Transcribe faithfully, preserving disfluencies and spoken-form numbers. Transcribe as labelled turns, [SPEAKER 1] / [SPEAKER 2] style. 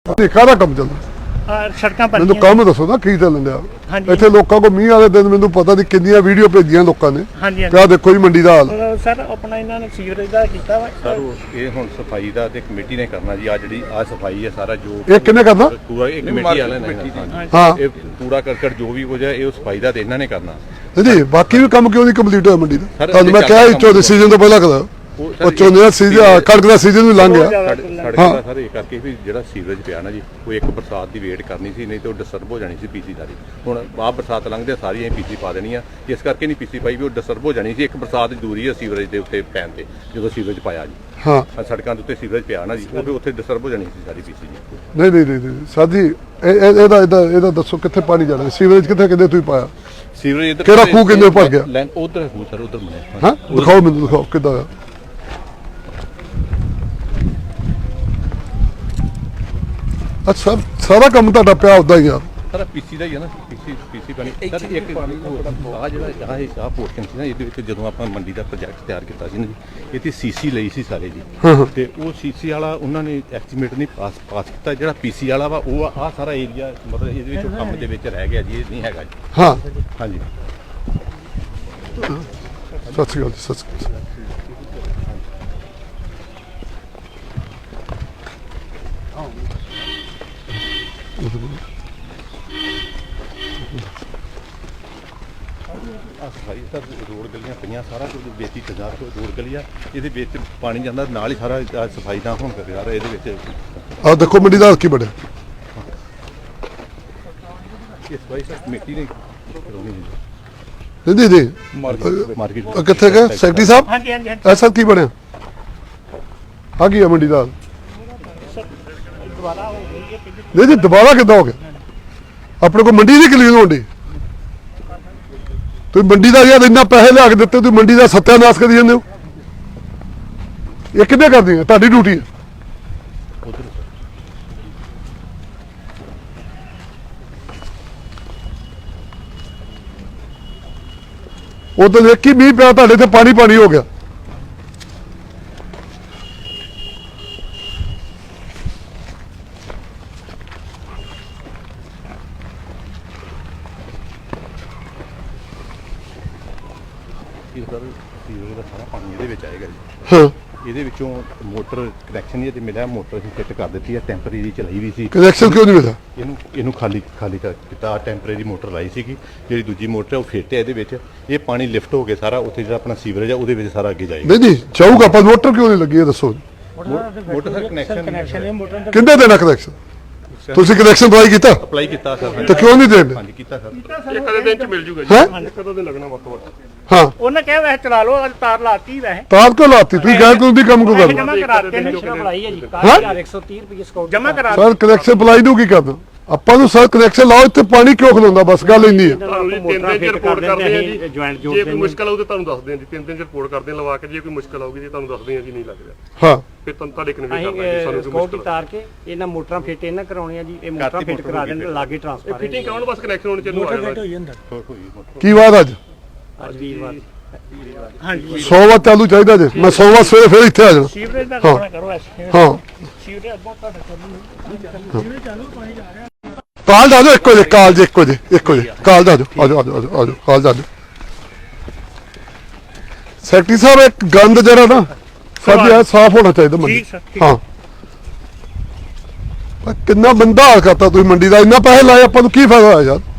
[SPEAKER 1] ਕਾਹਦਾ ਕੰਮ ਚੱਲਦਾ?
[SPEAKER 2] ਸੜਕਾਂ ਪਰ
[SPEAKER 1] ਮੈਨੂੰ ਕੰਮ ਦੱਸੋ ਨਾ ਕੀ ਚੱਲਣ ਡਿਆ
[SPEAKER 2] ਹਾਂਜੀ।
[SPEAKER 1] ਇੱਥੇ ਲੋਕਾਂ ਕੋ ਮੀਂਹ ਵਾਲੇ ਦਿਨ ਮੈਨੂੰ ਪਤਾ ਨਹੀਂ ਕਿੰਨੀਆਂ ਵੀਡੀਓ ਭੇਜੀਆਂ ਲੋਕਾਂ ਨੇ।
[SPEAKER 2] ਹਾਂਜੀ
[SPEAKER 1] ਕਿਆ ਦੇਖੋ ਜੀ ਮੰਡੀ ਦਾ ਹਾਲ।
[SPEAKER 2] ਸਰ ਆਪਣਾ ਇਹਨਾਂ ਨੇ ਸੀਵਰੇਜ ਦਾ ਕੀਤਾ ਵਾ
[SPEAKER 3] ਸਰ ਇਹ ਹੁਣ ਸਫਾਈ ਦਾ ਤੇ ਕਮੇਟੀ ਨੇ ਕਰਨਾ ਜੀ। ਆ ਜਿਹੜੀ ਆ ਸਫਾਈ ਹੈ ਸਾਰਾ ਜੋ
[SPEAKER 1] ਇਹ ਕਿੰਨੇ ਕਰਨਾ?
[SPEAKER 3] ਪੂਰਾ ਇਹ ਕਮੇਟੀ ਵਾਲਿਆਂ ਨੇ
[SPEAKER 1] ਹਾਂ
[SPEAKER 3] ਇਹ ਪੂਰਾ ਕਰਕਟ ਜੋ ਵੀ ਕੁਝ ਹੈ ਇਹ ਸਫਾਈ ਦਾ ਤੇ ਇਹਨਾਂ ਨੇ ਕਰਨਾ
[SPEAKER 1] ਜੀ। ਬਾਕੀ ਵੀ ਕੰਮ ਕਿਉਂ ਨਹੀਂ ਕੰਪਲੀਟ ਹੋਇਆ ਮੰਡੀ ਦਾ?
[SPEAKER 3] ਸਰ,
[SPEAKER 1] ਤੁਹਾਨੂੰ ਮੈਂ ਕਿਹਾ ਚੌਦੇ ਸੀਜ਼ਨ ਤੋਂ ਪਹਿਲਾਂ ਕਰਾ ਉਹ ਝੋਨੇ ਦਾ ਸੀਜ਼ਨ ਕਣਕ ਦਾ ਸੀਜ਼ਨ ਵੀ ਲੰਘ ਗਿਆ।
[SPEAKER 3] ਸੜਕ ਦਾ ਸਰ ਇਹ ਕਰਕੇ ਵੀ ਜਿਹੜਾ ਸੀਵਰੇਜ ਪਿਆ ਨਾ ਜੀ ਉਹ ਇੱਕ ਬਰਸਾਤ ਦੀ ਵੇਟ ਕਰਨੀ ਸੀ, ਨਹੀਂ ਤੇ ਉਹ ਡਿਸਟਰਬ ਹੋ ਜਾਣੀ ਸੀ ਪੀਸੀ ਸਾਰੀ। ਹੁਣ ਆਹ ਬਰਸਾਤ ਲੰਘਦੇ ਸਾਰੀਆਂ ਪੀਸੀ ਪਾ ਦੇਣੀਆਂ, ਇਸ ਕਰਕੇ ਨਹੀਂ ਪੀਸੀ ਪਾਈ ਵੀ ਉਹ ਡਿਸਟਰਬ ਹੋ ਜਾਣੀ ਸੀ। ਇੱਕ ਬਰਸਾਤ ਦੀ ਦੂਰੀ ਹੈ ਸੀਵਰੇਜ ਦੇ ਉੱਤੇ ਪੈਣ ਤੇ, ਜਦੋਂ ਸੀਵਰੇਜ ਪਾਇਆ ਜੀ
[SPEAKER 1] ਹਾਂ
[SPEAKER 3] ਸੜਕਾਂ ਦੇ ਉੱਤੇ ਸੀਵਰੇਜ ਪਿਆ ਨਾ ਜੀ ਉਹ ਵੀ ਉੱਥੇ ਡਿਸਟਰਬ ਹੋ ਜਾਣੀ ਸੀ ਸਾਰੀ ਪੀਸੀ ਜੀ।
[SPEAKER 1] ਨਹੀਂ ਨਹੀਂ ਨਹੀਂ ਸਾਡੀ ਇਹਦਾ ਇਹਦਾ ਇਹਦਾ ਦੱਸੋ ਕਿੱਥੇ ਪਾਣੀ ਜਾਣਾ? ਸੀਵਰੇਜ ਕਿੱਥੇ ਕਿੰਨੇ ਤੁਸੀਂ ਪਾਇਆ?
[SPEAKER 3] ਸੀਵਰੇਜ ਇੱਧਰ
[SPEAKER 1] ਕਿਹੜਾ ਖੂਹ ਕਿੰਨੇ ਭਰ ਗਿਆ?
[SPEAKER 3] ਉਧਰ ਖੂਹ ਸਰ ਉਧਰ ਬਣਿਆ।
[SPEAKER 1] ਹਾਂ ਦਿਖਾਓ ਮੈਨੂੰ, ਦਿਖਾਓ ਕਿੱਦਾਂ ਆ। ਅੱਛਾ ਸਾਰਾ ਕੰਮ ਤੁਹਾਡਾ ਪਿਆ ਉਦਾਂ ਹੀ ਆ?
[SPEAKER 3] ਸਾਰਾ ਪੀਸੀ ਦਾ ਹੀ ਹੈ ਨਾ, ਪੀਸੀ ਪੀਸੀ ਬਣੀ ਸਰ। ਇੱਕ ਆ ਜਿਹੜਾ ਆਹ ਇਹ ਆਹ ਪੋਰਸ਼ਨ ਸੀ ਨਾ ਇਹਦੇ ਵਿੱਚ ਜਦੋਂ ਆਪਾਂ ਮੰਡੀ ਦਾ ਪ੍ਰੋਜੈਕਟ ਤਿਆਰ ਕੀਤਾ ਸੀ ਨਾ ਜੀ, ਇਹ ਤੇ ਸੀਸੀ ਲਈ ਸੀ ਸਾਰੇ ਜੀ। ਤੇ ਉਹ ਸੀਸੀ ਵਾਲਾ ਉਹਨਾਂ ਨੇ ਐਸਟੀਮੇਟ ਨਹੀਂ ਪਾਸ ਪਾਸ ਕੀਤਾ। ਜਿਹੜਾ ਪੀਸੀ ਵਾਲਾ ਵਾ ਉਹ ਆਹ ਸਾਰਾ ਏਰੀਆ ਮਤਲਬ ਇਹਦੇ ਵਿੱਚ ਕੰਮ ਦੇ ਵਿੱਚ ਰਹਿ ਗਿਆ ਜੀ, ਇਹ ਨਹੀਂ ਹੈਗਾ ਜੀ।
[SPEAKER 1] ਹਾਂ
[SPEAKER 3] ਹਾਂਜੀ
[SPEAKER 1] ਸਤਿ ਸ਼੍ਰੀ ਅਕਾਲ ਜੀ। ਸਤਿ ਸ਼੍ਰੀ ਅਕਾਲ।
[SPEAKER 3] ਸਫਾਈ ਸਰ ਰੋਡ ਗਲੀਆਂ ਪਈਆਂ, ਸਾਰਾ ਕੁਝ ਬੇਤੀ ਤਜਾਰ ਤੋਂ ਰੋਡ ਗਲੀਆਂ ਇਹਦੇ ਵਿੱਚ ਪਾਣੀ ਜਾਂਦਾ ਨਾਲ ਹੀ ਸਾਰਾ ਸਫਾਈ ਦਾ ਹੁਣ ਕਰ ਰਿਹਾ ਇਹਦੇ ਵਿੱਚ।
[SPEAKER 1] ਆਹ ਦੇਖੋ ਮੰਡੀ ਦਾ ਹਾਲ ਕੀ ਬਣਿਆ।
[SPEAKER 3] ਇਹ ਸਫਾਈ ਸਰ ਕਮੇਟੀ ਨੇ ਕਰਾਉਣੀ ਜੀ।
[SPEAKER 1] ਨਹੀਂ ਨਹੀਂ
[SPEAKER 3] ਮਾਰਕੀਟ ਮਾਰਕੀਟ
[SPEAKER 1] ਕਿੱਥੇ ਗਏ ਸੈਕਟਰੀ ਸਾਹਿਬ?
[SPEAKER 2] ਹਾਂਜੀ ਹਾਂਜੀ
[SPEAKER 1] ਐਸਾ ਕੀ ਬਣਿਆ? ਆ ਕੀ ਆ ਮੰਡੀ ਦਾ ਹਾਲ?
[SPEAKER 2] ਦੁਬਾਰਾ ਹੋ ਗਈ ਹੈ ਕਿ
[SPEAKER 1] ਨਹੀਂ ਜੀ ਦੁਬਾਰਾ ਕਿੱਦਾਂ ਹੋ ਗਿਆ? ਆਪਣੇ ਕੋਲ ਮੰਡੀ ਨਹੀਂ ਕਲੀਨ ਹੋਣੀ। ਤੁਸੀਂ ਮੰਡੀ ਦਾ ਯਾਰ ਇੰਨਾ ਪੈਸੇ ਲਿਆ ਕੇ ਦਿੱਤੇ, ਤੁਸੀਂ ਮੰਡੀ ਦਾ ਸੱਤਿਆਨਾਸ਼ ਕਰੀ ਜਾਂਦੇ ਹੋ। ਇਹ ਕਿੱਦਾਂ ਕਰਦੀ ਹੈ? ਤੁਹਾਡੀ ਡਿਊਟੀ ਹੈ। ਉਦੋਂ ਇੱਕ ਹੀ ਮੀਂਹ ਪਿਆ ਤੁਹਾਡੇ ਤੇ ਪਾਣੀ ਪਾਣੀ ਹੋ ਗਿਆ।
[SPEAKER 3] ਇਹ ਸਰ ਸੀਵਰੇਜ ਦਾ ਸਾਰਾ ਪਾਣੀ ਇਹਦੇ ਵਿੱਚ ਆਏਗਾ ਜੀ।
[SPEAKER 1] ਹਾਂ
[SPEAKER 3] ਇਹਦੇ ਵਿੱਚੋਂ ਮੋਟਰ ਕਨੈਕਸ਼ਨ ਇਹ ਤੇ ਮਿਲਿਆ, ਮੋਟਰ ਅਸੀਂ ਫਿੱਟ ਕਰ ਦਿੱਤੀ ਹੈ, ਟੈਂਪਰੇਰੀ ਚਲਾਈ ਵੀ ਸੀ।
[SPEAKER 1] ਕਨੈਕਸ਼ਨ ਕਿਉਂ ਨਹੀਂ ਮਿਲਿਆ?
[SPEAKER 3] ਇਹਨੂੰ ਇਹਨੂੰ ਖਾਲੀ ਖਾਲੀ ਕਰ ਦਿੱਤਾ। ਟੈਂਪਰੇਰੀ ਮੋਟਰ ਲਾਈ ਸੀਗੀ, ਜਿਹੜੀ ਦੂਜੀ ਮੋਟਰ ਹੈ ਉਹ ਫਿੱਟ ਹੈ ਇਹਦੇ ਵਿੱਚ। ਇਹ ਪਾਣੀ ਲਿਫਟ ਹੋ ਕੇ ਸਾਰਾ ਉੱਥੇ ਜਿਹੜਾ ਆਪਣਾ ਸੀਵਰੇਜ ਹੈ ਉਹਦੇ ਵਿੱਚ ਸਾਰਾ ਅੱਗੇ ਜਾਏਗਾ।
[SPEAKER 1] ਨਹੀਂ ਨਹੀਂ ਚਾਹੂਗਾ ਪਰ ਮੋਟਰ ਕਿਉਂ ਨਹੀਂ ਲੱਗੀ ਇਹ ਦੱਸੋ।
[SPEAKER 3] ਮੋਟਰ ਦਾ ਕਨੈਕਸ਼ਨ
[SPEAKER 2] ਕਨੈਕਸ਼ਨ ਹੈ ਮੋਟਰ ਦਾ।
[SPEAKER 1] ਕਿੰਨੇ ਦੇਣਾ ਕਨੈਕਸ਼ਨ? ਤੁਸੀਂ ਕਨੈਕਸ਼ਨ ਅਪਲਾਈ ਕੀਤਾ
[SPEAKER 3] ਅਪਲਾਈ ਕੀਤਾ ਸਰ।
[SPEAKER 1] ਤੇ ਕਿਉਂ ਨਹੀਂ ਦੇਣ?
[SPEAKER 3] ਹਾਂਜੀ ਕੀਤਾ ਸਰ।
[SPEAKER 4] ਇੱਕ ਦੇ ਦਿਨ ਚ ਮਿਲ ਜੂਗਾ ਜੀ।
[SPEAKER 1] ਹੈ
[SPEAKER 4] ਕਦੋਂ ਦੇ ਲੱਗਣਾ ਵੱਧ ਤੋਂ ਵੱਧ?
[SPEAKER 1] ਹਾਂ
[SPEAKER 2] ਉਹਨੇ ਕਿਹਾ ਵੈਸੇ ਚਲਾ ਲਓ, ਅੱਜ ਤਾਰ ਲਾਤੀ ਵੈਸੇ
[SPEAKER 1] ਤਾਰ ਕਿਉਂ ਲਾਤੀ? ਤੁਸੀਂ ਗੈਰ ਕਾਨੂੰਨੀ ਕੰਮ ਕਿਉਂ ਕਰਨਾ?
[SPEAKER 2] ਜਮਾ ਕਰਾਤੇ ਨੇ
[SPEAKER 4] ਬਣਾਈ
[SPEAKER 2] ਹੈ ਜੀ
[SPEAKER 1] ਹਾਂ?
[SPEAKER 2] ਇੱਕ ਸੌ ਤੀਹ ਰੁਪਏ ਸਕਾਊਟ ਜਮਾ ਕਰਾ
[SPEAKER 1] ਸਰ ਕਨੈਕਸ਼ਨ ਅਪਲਾਈ ਨੂੰ ਕੀ ਕਰਨਾ? ਆਪਾਂ ਨੂੰ ਸਰ ਕਨੈਕਸ਼ਨ ਲਾਓ, ਇੱਥੇ ਪਾਣੀ ਕਿਉਂ ਖਲੋਂਦਾ? ਬਸ ਗੱਲ ਇੰਨੀ ਹੈ।
[SPEAKER 4] ਤੁਹਾਨੂੰ ਜੀ ਤਿੰਨ ਦਿਨ ਚ ਰਿਪੋਰਟ ਕਰਦੇ ਆ ਜੀ।
[SPEAKER 2] ਜੁਆਇੰਟ ਜੋੜ
[SPEAKER 4] ਜੇ ਕੋਈ ਮੁਸ਼ਕਲ ਆਊ ਤਾਂ ਤੁਹਾਨੂੰ ਦੱਸਦੇ ਆ ਜੀ। ਤਿੰਨ ਦਿਨ ਚ ਰਿਪੋਰਟ ਕਰਦੇ ਆ ਲਵਾ ਕੇ। ਜੇ ਕੋਈ ਮੁਸ਼ਕਲ ਆਊਗੀ ਜੀ ਤੁਹਾਨੂੰ ਦੱਸਦੇ ਆ ਜੀ ਨਹੀਂ ਲੱਗ ਰਿਹਾ
[SPEAKER 1] ਹਾਂ
[SPEAKER 4] ਫਿਰ ਤੁਹਾਨੂੰ ਤੁਹਾਡੇ ਕਨਵੇ ਕਰਨਾ ਜੀ।
[SPEAKER 2] ਅਸੀਂ
[SPEAKER 4] ਸਾਨੂੰ ਕੋਈ
[SPEAKER 2] ਸਕਾਊਟ
[SPEAKER 4] ਮੁਸ਼ਕਲ
[SPEAKER 2] ਤਾਰ ਕੇ ਇਹਨਾਂ ਮੋਟਰਾਂ ਫਿੱਟ ਇਹਨਾਂ ਕਰਾਉਣੀਆਂ ਜੀ। ਇਹ ਮੋਟਰਾਂ ਫਿੱਟ ਕਰਾ ਦੇਣ ਲਾਗੇ ਟਰਾਂਸਫਾਰਮਰ
[SPEAKER 4] ਫਿਟਿੰਗ ਕਰਾਉਣ ਬਸ ਕਨੈਕਸ਼ਨ ਹੋਣੇ ਚਾਹੀਦੇ ਆ
[SPEAKER 1] ਕੀ ਬਾਤ ਅੱਜ?
[SPEAKER 2] ਅੱਜ ਵੀਰਵਾਰ ਹਾਂਜੀ
[SPEAKER 1] ਸੌ ਵਾਰ ਚਾਲੂ ਚਾਹੀਦਾ ਜੇ। ਮੈਂ ਸੌ ਵਾਰ ਸਵੇਰੇ ਫਿਰ ਇੱਥੇ ਆ ਜਾਣਾ।
[SPEAKER 2] ਸੀਵਰੇਜ ਦਾ ਕੰਮ ਕਰੋ ਐਸੇ
[SPEAKER 1] ਹਾਂ
[SPEAKER 2] ਸੀਵਰੇਜ ਬਹੁਤ ਤੁਹਾਡਾ ਚੱਲੂ ਸੀਵਰੇਜ ਚਾਲੂ ਪਾਣੀ ਜਾ ਰਿਹਾ।
[SPEAKER 1] ਕਾਲ ਦਾ ਜੋ ਇੱਕੋ ਜੇ ਕਾਲ ਜੇ ਇੱਕੋ ਜੇ ਇੱਕੋ ਜੇ ਕਾਲ ਦਾ ਜੋ ਆ ਜਾਓ ਆ ਜਾਓ ਆ ਜਾਓ ਕਾਲ ਦਾ। ਸੈਕਟਰੀ ਸਾਹਿਬ ਇੱਕ ਗੰਦ ਜਿਹੜਾ ਨਾ ਸਾਡੀ ਆ ਸਾਫ਼ ਹੋਣਾ ਚਾਹੀਦਾ ਮੰਡੀ।
[SPEAKER 2] ਠੀਕ ਸਰ, ਠੀਕ।
[SPEAKER 1] ਹਾਂ ਪਰ ਕਿੰਨਾ ਬੰਦਾ ਹਾਲ ਕਰਤਾ ਤੁਸੀਂ ਮੰਡੀ ਦਾ। ਇੰਨਾ ਪੈਸੇ ਲਾਏ ਆਪਾਂ ਨੂੰ ਕੀ ਫਾਇਦਾ ਹੋਇਆ ਯਾਰ?